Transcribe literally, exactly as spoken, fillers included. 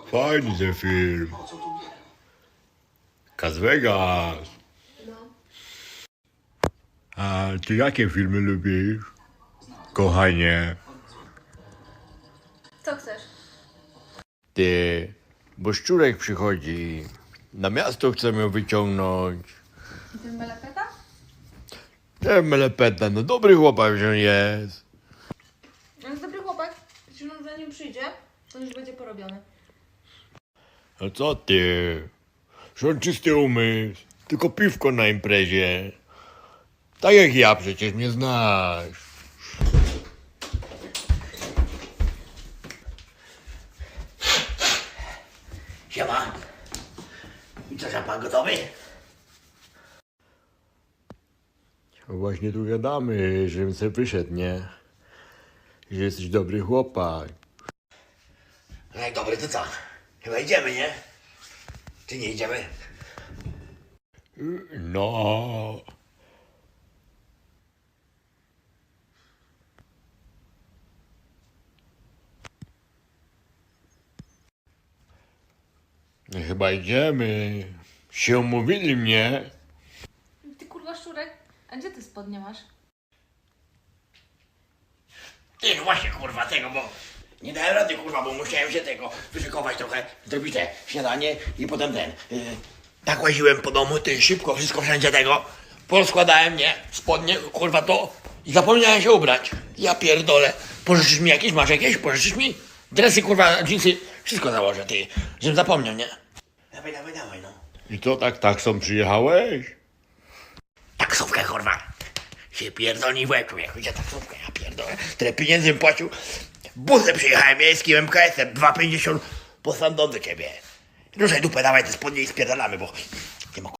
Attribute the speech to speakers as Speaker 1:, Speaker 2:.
Speaker 1: Fajny ten film. Las Vegas. A ty jakie filmy lubisz? Kochanie.
Speaker 2: Co chcesz?
Speaker 1: Ty, bo szczurek przychodzi. Na miasto chcemy ją wyciągnąć.
Speaker 2: I ten melepeta?
Speaker 1: Ten melepeta, no dobry chłopak, że on jest.
Speaker 2: On jest dobry chłopak. Jeśli on za nim przyjdzie, to już będzie porobiony.
Speaker 1: No co ty? Że on czysty umysł. Tylko piwko na imprezie. Tak jak ja, przecież mnie znasz.
Speaker 3: Siema. I co, pan gotowy?
Speaker 1: No właśnie tu gadamy, żebym sobie wyszedł, nie? Że jesteś dobry chłopak.
Speaker 3: No jak dobry, to co? Chyba idziemy, nie? Czy nie idziemy?
Speaker 1: No. No chyba idziemy. Się umówili mnie.
Speaker 2: Ty kurwa szczurek, a gdzie ty spodnie masz?
Speaker 3: Ty, no właśnie, kurwa, tego, bo nie dałem rady, kurwa, bo musiałem się tego wyszykować trochę, zrobić te śniadanie i potem ten. Yy, tak łaziłem po domu, ty, szybko, wszystko wszędzie tego. Poskładałem, nie, spodnie, kurwa, to i zapomniałem się ubrać. Ja pierdolę. Pożyczysz mi jakieś? Masz jakieś? Pożyczysz mi? Dresy, kurwa, dżinsy, wszystko założę, ty, żebym zapomniał, nie? Dawaj, dawaj, dawaj, no.
Speaker 1: I co, tak taksą przyjechałeś?
Speaker 3: Taksówkę, kurwa. Się pierdolni w łeb, człowieku. Gdzie taksówkę? Ja pierdolę. Tyle pieniędzy bym płacił. Busem przyjechałem miejskim M K S-em. dwa pięćdziesiąt posłam do ciebie. Ruszaj dupę, dawaj te spodnie i spierdalamy, bo